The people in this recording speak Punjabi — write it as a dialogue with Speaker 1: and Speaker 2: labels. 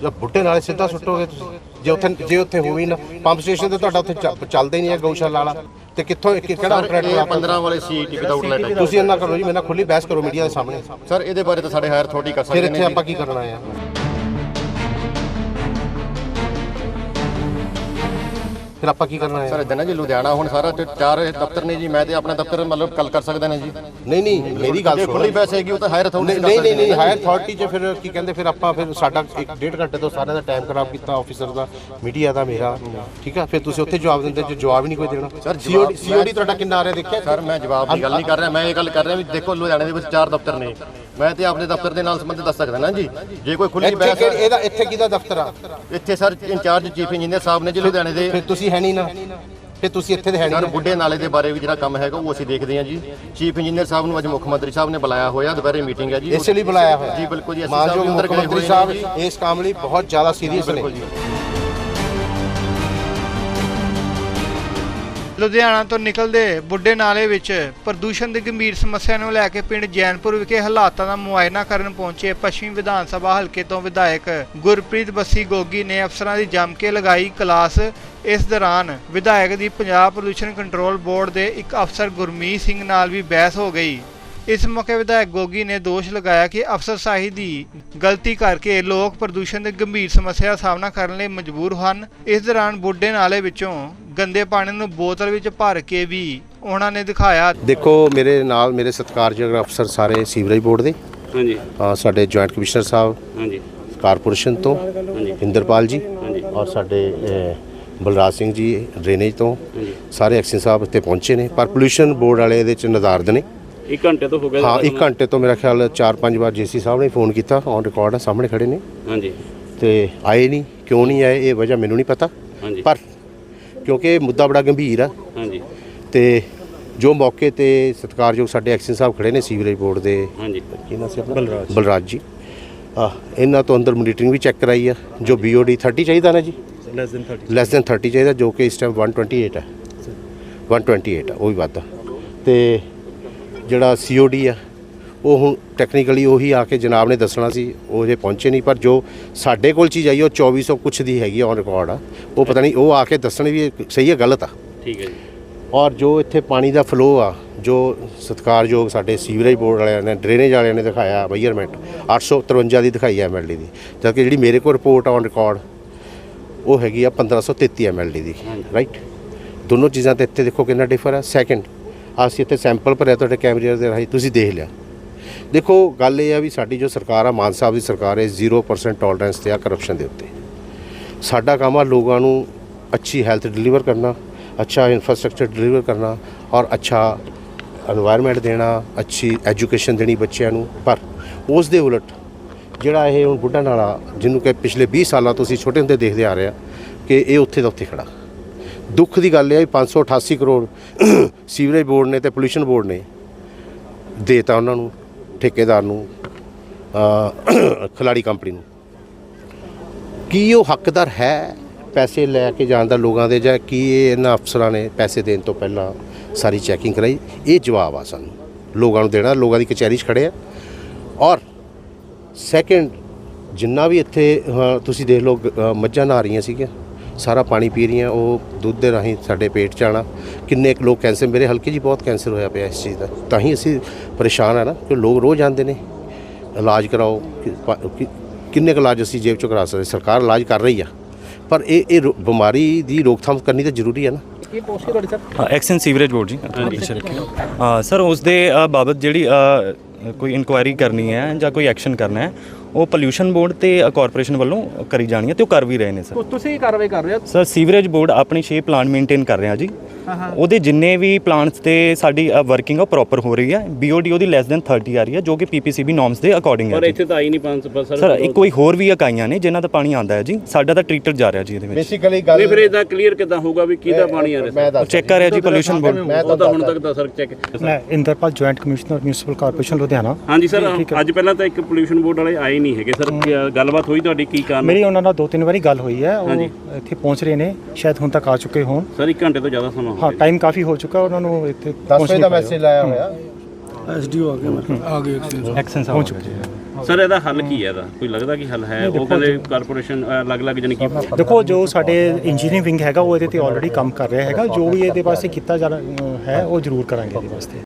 Speaker 1: जब बुढ़े नाले सीधा सुट्टोगे जे उत्थे होवी ना पंप स्टेशन तो तुहाडा उत्थे चलदा ही नहीं है गौशाला वाला ते कित्थों किहड़ा ऑपरेटर 15 वाले सीटी विदाउट लाइट तुसीं इन्ना करो जी, मेरे नाल खुली बहस करो मीडिया दे सामने
Speaker 2: सर ਇਹਦੇ ਬਾਰੇ ਤਾਂ ਸਾਡੇ ਹਾਇਰ ਅਥਾਰਟੀ ਕਰ ਸਕਦੇ
Speaker 1: फिर इत्थे आपां की करना है। फिर आपां की करना है
Speaker 2: सर इदां ना जी लुधियाना हुण सारा 4 दफ्तर ने जी, मैं ते अपना दफ्तर मतलब कल कर सकदा ने जी।
Speaker 1: नहीं मेरी गल सुनो,
Speaker 2: खुली बहस हैगी ਉਹ ਤਾਂ ਹਾਇਰ ਅਥਾਰਟੀ
Speaker 1: नहीं हायर अथॉरिटी च फिर की कहंदे फिर आपां फिर साडा 1.5 घंटे तो सारे दा टाइम खराब कीता ऑफिसर दा मीडिया दा मेरा, ठीक है। फिर तुसीं उत्थे जवाब दिंदे जो जवाब ही नहीं कोई देना।
Speaker 2: सर
Speaker 1: सीओडी ਤੁਹਾਡਾ ਕਿੰਨਾ ਆ ਰਿਹਾ ਦੇਖਿਆ
Speaker 2: सर मैं जवाब की गल नहीं कर रहा, मैं ये गल कर रहा भी देखो लुधियाने ਦੇ ਵਿੱਚ 4 ਦਫ਼ਤਰ ਨੇ, ਮੈਂ ਤੇ ਆਪਣੇ ਦਫ਼ਤਰ ਦੇ ਨਾਲ ਸੰਬੰਧਿਤ ਦੱਸ ਸਕਦਾ ਨਾ ਜੀ। ਜੇ ਕੋਈ ਖੁੱਲੀ ਬਹਿਸ
Speaker 1: ਇਹਦਾ ਇੱਥੇ ਕਿਹਦਾ ਦਫ਼ਤਰ ਆ?
Speaker 2: ਇੱਥੇ ਸਰ ਇੰਚਾਰਜ ਚੀਫ ਇੰਜੀਨੀਅਰ ਸਾਹਿਬ ਨੇ ਜੀ ਲੁਧਿਆਣੇ ਦੇ।
Speaker 1: ਫਿਰ ਤੁਸੀਂ ਹੈ ਨਹੀਂ ਨਾ, ਫਿਰ ਤੁਸੀਂ ਇੱਥੇ ਦੇ ਹੈ
Speaker 2: ਸਰ
Speaker 1: ਨਹੀਂ।
Speaker 2: ਬੁੱਢੇ ਨਾਲੇ ਦੇ ਬਾਰੇ ਵੀ ਜਿਹੜਾ ਕੰਮ ਹੈਗਾ ਉਹ ਅਸੀਂ ਦੇਖਦੇ ਹਾਂ ਜੀ। ਚੀਫ ਇੰਜੀਨੀਅਰ ਸਾਹਿਬ ਨੂੰ ਅੱਜ ਮੁੱਖ ਮੰਤਰੀ ਸਾਹਿਬ ਨੇ ਬੁਲਾਇਆ ਹੋਇਆ, ਦੁਪਹਿਰੇ ਮੀਟਿੰਗ ਹੈ ਜੀ।
Speaker 1: ਇਸੇ ਲਈ ਬੁਲਾਇਆ ਹੋਇਆ
Speaker 2: ਜੀ ਬਿਲਕੁਲ ਜੀ।
Speaker 1: ਮਾਨਯੋਗ ਮੁੱਖ ਮੰਤਰੀ ਸਾਹਿਬ ਇਸ ਕੰਮ ਲਈ ਬਹੁਤ ਜ਼ਿਆਦਾ ਸੀਰੀਅਸ ਨੇ।
Speaker 3: ਲੁਧਿਆਣਾ ਤੋਂ ਨਿਕਲਦੇ ਬੁੱਢੇ ਨਾਲੇ ਵਿੱਚ ਪ੍ਰਦੂਸ਼ਣ ਦੀ ਗੰਭੀਰ ਸਮੱਸਿਆ ਨੂੰ ਲੈ ਕੇ ਪਿੰਡ ਜੈਨਪੁਰ ਵਿਖੇ ਹਾਲਾਤਾਂ ਦਾ ਮੁਆਇਨਾ ਕਰਨ ਪਹੁੰਚੇ ਪੱਛਮੀ ਵਿਧਾਨ ਸਭਾ ਹਲਕੇ ਤੋਂ ਵਿਧਾਇਕ ਗੁਰਪ੍ਰੀਤ ਬੱਸੀ ਗੋਗੀ ਨੇ ਅਫਸਰਾਂ ਦੀ ਜੰਮ ਕੇ ਲਗਾਈ ਕਲਾਸ। ਇਸ ਦੌਰਾਨ ਵਿਧਾਇਕ ਦੀ ਪੰਜਾਬ ਪ੍ਰਦੂਸ਼ਣ ਕੰਟਰੋਲ ਬੋਰਡ ਦੇ ਇੱਕ ਅਫਸਰ ਗੁਰਮੀਤ ਸਿੰਘ ਨਾਲ ਵੀ ਬਹਿਸ ਹੋ ਗਈ। ਇਸ ਮੌਕੇ ਵਿਧਾਇਕ ਗੋਗੀ ਨੇ ਦੋਸ਼ ਲਗਾਇਆ ਕਿ ਅਫਸਰਸ਼ਾਹੀ ਦੀ ਗਲਤੀ ਕਰਕੇ ਲੋਕ ਪ੍ਰਦੂਸ਼ਣ ਦੀ ਗੰਭੀਰ ਸਮੱਸਿਆ ਦਾ ਸਾਹਮਣਾ ਕਰਨ ਲਈ ਮਜਬੂਰ ਹਨ। ਇਸ ਦੌਰਾਨ ਬੁੱਢੇ ਨਾਲੇ ਵਿੱਚੋਂ ਗੰਦੇ ਪਾਣੀ ਨੂੰ ਬੋਤਲ ਵਿੱਚ ਭਰ ਕੇ ਵੀ ਉਹਨਾਂ ਨੇ ਦਿਖਾਇਆ।
Speaker 1: ਦੇਖੋ ਮੇਰੇ ਨਾਲ ਮੇਰੇ ਸਤਿਕਾਰਯੋਗ ਅਫਸਰ ਸਾਰੇ ਸੀਵਰੇਜ ਬੋਰਡ ਦੇ, ਹਾਂਜੀ, ਸਾਡੇ ਜੁਆਇੰਟ ਕਮਿਸ਼ਨਰ ਸਾਹਿਬ, ਹਾਂਜੀ, ਕਾਰਪੋਰੇਸ਼ਨ ਤੋਂ ਇੰਦਰਪਾਲ ਜੀ, ਔਰ ਸਾਡੇ ਬਲਰਾਜ ਸਿੰਘ ਜੀ ਡਰੇਨੇਜ ਤੋਂ, ਸਾਰੇ ਐਕਸ਼ਨ ਸਾਹਿਬ ਇੱਥੇ ਪਹੁੰਚੇ ਨੇ। ਪਰ ਪੋਲਿਊਸ਼ਨ ਬੋਰਡ ਵਾਲੇ ਇਹਦੇ ਚ ਨਜ਼ਾਰਦ ਨੇ।
Speaker 4: 1 ਘੰਟੇ ਤੋਂ ਹੋ ਗਿਆ।
Speaker 1: ਹਾਂ 1 ਘੰਟੇ ਤੋਂ ਮੇਰਾ ਖਿਆਲ 4-5 ਵਾਰ ਜੇਸੀ ਸਾਹਿਬ ਨੇ ਫੋਨ ਕੀਤਾ, ਔਨ ਰਿਕਾਰਡ ਆ, ਸਾਹਮਣੇ ਖੜੇ ਨੇ, ਹਾਂਜੀ, ਤੇ ਆਏ ਨਹੀਂ। ਕਿਉਂ ਨਹੀਂ ਆਏ ਇਹ ਵਜ੍ਹਾ ਮੈਨੂੰ ਨਹੀਂ ਪਤਾ, ਪਰ ਕਿਉਂਕਿ ਇਹ ਮੁੱਦਾ ਬੜਾ ਗੰਭੀਰ ਆ, ਹਾਂਜੀ, ਤੇ ਜੋ ਮੌਕੇ ਤੇ ਸਤਿਕਾਰਯੋਗ ਸਾਡੇ ਐਕਸ਼ਨ ਸਾਹਿਬ ਖੜੇ ਨੇ ਸੀਵਰੇਜ ਬੋਰਡ ਦੇ, ਹਾਂਜੀ, ਕੀ ਨਾਮ ਸੀ ਆਪਣਾ, ਬਲਰਾਜ ਜੀ, ਇਹਨਾਂ ਤੋਂ ਅੰਦਰ ਮੋਨੀਟਰਿੰਗ ਵੀ ਚੈੱਕ ਕਰਾਈ ਆ। ਜੋ BOD 30 ਚਾਹੀਦਾ ਨਾ ਜੀ, ਲੈਸ ਦੈਨ 30 ਚਾਹੀਦਾ, ਜੋ ਕਿ ਇਸ ਟਾਈਮ 128 ਹੈ, 128 ਆ, ਉਹ ਵੀ ਵੱਧ। ਤੇ ਜਿਹੜਾ COD ਆ ਉਹ ਹੁਣ ਟੈਕਨੀਕਲੀ ਉਹੀ ਆ ਕੇ ਜਨਾਬ ਨੇ ਦੱਸਣਾ ਸੀ, ਉਹ ਜੇ ਪਹੁੰਚੇ ਨਹੀਂ। ਪਰ ਜੋ ਸਾਡੇ ਕੋਲ ਚੀਜ਼ ਆਈ ਉਹ 2400 ਕੁਛ ਦੀ ਹੈਗੀ ਔਨ ਰਿਕਾਰਡ ਆ, ਉਹ ਪਤਾ ਨਹੀਂ ਉਹ ਆ ਕੇ ਦੱਸਣ ਵੀ ਸਹੀ ਹੈ ਗਲਤ ਆ, ਠੀਕ ਹੈ ਜੀ। ਔਰ ਜੋ ਇੱਥੇ ਪਾਣੀ ਦਾ ਫਲੋ ਆ, ਜੋ ਸਤਿਕਾਰਯੋਗ ਸਾਡੇ ਸੀਵਰੇਜ ਬੋਰਡ ਵਾਲਿਆਂ ਨੇ, ਡਰੇਨੇਜ ਵਾਲਿਆਂ ਨੇ ਦਿਖਾਇਆ ਮੈਜ਼ਰਮੈਂਟ 853 ਦੀ ਦਿਖਾਈ ਹੈ MLD ਦੀ, ਜਦਕਿ ਜਿਹੜੀ ਮੇਰੇ ਕੋਲ ਰਿਪੋਰਟ ਔਨ ਰਿਕਾਰਡ ਉਹ ਹੈਗੀ ਆ 1533 MLD ਦੀ, ਰਾਈਟ। ਦੋਨੋਂ ਚੀਜ਼ਾਂ ਤੇ ਇੱਥੇ ਦੇਖੋ ਕਿੰਨਾ ਡਿਫਰ ਆ। ਸੈਕਿੰਡ, ਅਸੀਂ ਇੱਥੇ ਸੈਂਪਲ ਭਰਿਆ ਤੁਹਾਡੇ ਕੈਮਰੇ ਦੇ ਰਾਹੀਂ, ਤੁਸੀਂ ਦੇਖ ਲਿਆ। ਦੇਖੋ ਗੱਲ ਇਹ ਆ ਵੀ ਸਾਡੀ ਜੋ ਸਰਕਾਰ ਆ, ਮਾਨ ਸਾਹਿਬ ਦੀ ਸਰਕਾਰ ਹੈ, 0% ਟੋਲਰੈਂਸ ਤੇ ਆ ਕਰਪਸ਼ਨ ਦੇ ਉੱਤੇ। ਸਾਡਾ ਕੰਮ ਆ ਲੋਕਾਂ ਨੂੰ ਅੱਛੀ ਹੈਲਥ ਡਿਲੀਵਰ ਕਰਨਾ, ਅੱਛਾ ਇਨਫਰਾਸਟ੍ਰਕਚਰ ਡਿਲੀਵਰ ਕਰਨਾ, ਔਰ ਅੱਛਾ এনवायरमेंट ਦੇਣਾ, ਅੱਛੀ ਐਜੂਕੇਸ਼ਨ ਦੇਣੀ ਬੱਚਿਆਂ ਨੂੰ। ਪਰ ਉਸ ਦੇ ਉਲਟ ਜਿਹੜਾ ਇਹ ਹੁਣ ਬੁੱਢਾ ਨਾਲਾ, ਜਿਹਨੂੰ ਕਿ ਪਿਛਲੇ 20 ਸਾਲਾਂ ਤੋਂ ਅਸੀਂ ਛੋਟੇ ਹੁੰਦੇ ਦੇਖਦੇ ਆ ਰਹੇ ਆ ਕਿ ਇਹ ਉੱਥੇ ਦਾ ਉੱਥੇ ਖੜਾ। ਦੁੱਖ ਦੀ ਗੱਲ ਇਹ ਹੈ 588 ਕਰੋੜ ਸੀਵਰੇਜ ਬੋਰਡ ਨੇ ਤੇ ਪੋਲਿਊਸ਼ਨ ਬੋਰਡ ਨੇ ਦੇਤਾ ਉਹਨਾਂ ਨੂੰ, ਠੇਕੇਦਾਰ ਨੂੰ, ਖਿਲਾੜੀ ਕੰਪਨੀ ਨੂੰ। ਕੀ ਉਹ ਹੱਕਦਾਰ ਹੈ ਪੈਸੇ ਲੈ ਕੇ ਜਾਣ ਦਾ ਲੋਕਾਂ ਦੇ, ਜਾਂ ਕੀ ਇਹਨਾਂ ਅਫਸਰਾਂ ਨੇ ਪੈਸੇ ਦੇਣ ਤੋਂ ਪਹਿਲਾਂ ਸਾਰੀ ਚੈਕਿੰਗ ਕਰਾਈ? ਇਹ ਜਵਾਬ ਆ ਸਾਨੂੰ ਲੋਕਾਂ ਨੂੰ ਦੇਣਾ। ਲੋਕਾਂ ਦੀ ਕਚਹਿਰੀ 'ਚ ਖੜੇ ਆ। ਔਰ ਸੈਕਿੰਡ, ਜਿੰਨਾ ਵੀ ਇੱਥੇ ਤੁਸੀਂ ਦੇਖ ਲਓ ਮੱਝਾਂ ਨਹਾ ਰਹੀਆਂ ਸੀਗੀਆਂ, ਸਾਰਾ ਪਾਣੀ ਪੀ ਰਹੀਆਂ, ਉਹ ਦੁੱਧ ਦੇ ਰਾਹੀਂ ਸਾਡੇ ਪੇਟ 'ਚ ਆਉਣਾ। ਕਿੰਨੇ ਕੁ ਲੋਕ ਕੈਂਸਰ, ਮੇਰੇ ਹਲਕੇ 'ਚ ਬਹੁਤ ਕੈਂਸਰ ਹੋਇਆ ਪਿਆ ਇਸ ਚੀਜ਼ ਦਾ, ਤਾਂ ਹੀ ਅਸੀਂ ਪਰੇਸ਼ਾਨ ਆ ਨਾ, ਕਿ ਲੋਕ ਰੋਜ਼ ਆਉਂਦੇ ਨੇ ਇਲਾਜ ਕਰਾਓ। ਕਿੰਨੇ ਕੁ ਇਲਾਜ ਅਸੀਂ ਜੇਬ 'ਚੋਂ ਕਰਾ ਸਕਦੇ? ਸਰਕਾਰ ਇਲਾਜ ਕਰ ਰਹੀ ਆ, ਪਰ ਇਹ ਬਿਮਾਰੀ ਦੀ ਰੋਕਥਾਮ ਕਰਨੀ ਤਾਂ ਜ਼ਰੂਰੀ ਹੈ ਨਾ।
Speaker 4: ਕੀ ਪੋਸਟ ਤੁਹਾਡੀ ਸਰ?
Speaker 5: ਐਕਸ਼ਨ ਸੀਵਰੇਜ ਬੋਰਡ ਜੀ। ਸਰ ਉਸ ਦੇ ਬਾਬਤ ਜਿਹੜੀ ਕੋਈ ਇਨਕੁਆਇਰੀ ਕਰਨੀ ਹੈ ਜਾਂ ਕੋਈ ਐਕਸ਼ਨ ਕਰਨਾ ਹੈ, ਉਹ ਪੋਲਿਊਸ਼ਨ ਬੋਰਡ ਤੇ ਕਾਰਪੋਰੇਸ਼ਨ ਵੱਲੋਂ ਕਰੀ ਜਾਣੀ ਹੈ, ਤੇ ਉਹ ਕਰ ਵੀ ਰਹੇ ਨੇ ਸਰ।
Speaker 4: ਤੁਸੀਂ ਕਾਰਵਾਈ ਕਰ ਰਹੇ ਹੋ
Speaker 5: ਸਰ? ਸੀਵਰੇਜ ਬੋਰਡ ਆਪਣੀ 6 ਪਲਾਂਟ ਮੇਨਟੇਨ ਕਰ ਰਿਹਾ ਜੀ। ਉਹਦੇ ਜਿੰਨੇ ਵੀ ਪਲਾਂਟਸ ਤੇ ਸਾਡੀ ਵਰਕਿੰਗ ਆ ਪ੍ਰੋਪਰ ਹੋ ਰਹੀ ਹੈ। BOD ਉਹਦੀ ਲੈਸ ਦੈਨ 30 ਆ ਰਹੀ ਹੈ, ਜੋ ਕਿ PPCB ਨੋਰਮਸ ਦੇ ਅਕੋਰਡਿੰਗ ਹੈ।
Speaker 4: ਪਰ ਇੱਥੇ ਤਾਂ ਆਈ ਨਹੀਂ 500
Speaker 5: ਸਰ। ਕੋਈ ਹੋਰ ਵੀ ਇਕਾਈਆਂ ਨੇ ਜਿਨ੍ਹਾਂ ਦਾ ਪਾਣੀ ਆਉਂਦਾ ਹੈ ਜੀ, ਸਾਡਾ ਤਾਂ ਟ੍ਰੀਟਡ ਜਾ ਰਿਹਾ ਜੀ ਇਹਦੇ ਵਿੱਚ।
Speaker 1: ਬੇਸਿਕਲੀ ਗੱਲ
Speaker 4: ਨਹੀਂ, ਫਿਰ ਇਹਦਾ ਕਲੀਅਰ ਕਿੱਦਾਂ ਹੋਊਗਾ ਵੀ ਕਿਹਦਾ ਪਾਣੀ ਆ ਰਿਹਾ?
Speaker 5: ਚੈੱਕ ਕਰ ਰਿਹਾ ਜੀ ਪੋਲਿਊਸ਼ਨ ਬੋਰਡ।
Speaker 4: ਉਹ ਤਾਂ ਹੁਣ ਤੱਕ ਦਾ ਸਰ ਚੈੱਕ।
Speaker 6: ਮੈਂ Inderpal joint commissioner municipal corporation Ludhiana.
Speaker 4: ਹਾਂਜੀ ਸਰ, ਅੱਜ ਪਹਿਲਾਂ ਤਾਂ ਇੱਕ ਪੋਲਿਊਸ਼ਨ ਬੋਰਡ ਵਾਲੇ ਆਏ ਨਹੀਂ ਹੈਗੇ ਸਰ, ਗੱਲਬਾਤ ਹੋਈ ਤੁਹਾਡੀ? ਕੀ ਕਾਰਨ?
Speaker 6: ਮੇਰੀ ਉਹਨਾਂ ਨਾਲ 2-3 ਵਾਰੀ ਗੱਲ ਹੋਈ ਹੈ, ਉਹ ਇੱਥੇ ਪਹੁੰਚ ਰਹੇ ਨੇ, ਸ਼ਾਇਦ ਹੁਣ ਤੱਕ ਆ ਚੁੱਕੇ ਹੋਣ।
Speaker 4: ਸਰ 1 ਘੰਟੇ ਤੋਂ ਜ਼ਿਆਦਾ ਸਮਾਂ ਹੋ ਗਿਆ।
Speaker 6: ਹਾਂ, ਟਾਈਮ ਕਾਫੀ ਹੋ ਚੁੱਕਾ ਉਹਨਾਂ ਨੂੰ ਇੱਥੇ
Speaker 1: 10 ਵਜੇ ਦਾ ਮੈਸੇਜ ਲਾਇਆ ਹੋਇਆ।
Speaker 7: ਐਸਡੀਓ ਆ ਗਏ
Speaker 6: ਐਕਸ਼ਨ ਸਾਹਿਬ ਪਹੁੰਚ ਚੁੱਕੇ
Speaker 4: ਸਰ ਇਹਦਾ ਹੱਲ ਕੀ ਹੈ? ਇਹਦਾ ਕੋਈ ਲੱਗਦਾ ਕਿ ਹੱਲ ਹੈ? ਉਹ ਕਹਿੰਦੇ ਕਾਰਪੋਰੇਸ਼ਨ ਅਲੱਗ-ਅਲੱਗ ਜਾਨੀ ਕਿ
Speaker 6: ਦੇਖੋ ਜੋ ਸਾਡੇ ਇੰਜੀਨੀਅਰਿੰਗ ਵਿੰਗ ਹੈਗਾ ਉਹ ਇਹਦੇ ਤੇ ਆਲਰੇਡੀ ਕੰਮ ਕਰ ਰਿਹਾ ਹੈਗਾ, ਜੋ ਵੀ ਇਹਦੇ ਵਾਸਤੇ ਕੀਤਾ ਜਾ ਹੈ ਉਹ ਜ਼ਰੂਰ ਕਰਾਂਗੇ ਇਹਦੇ ਵਾਸਤੇ।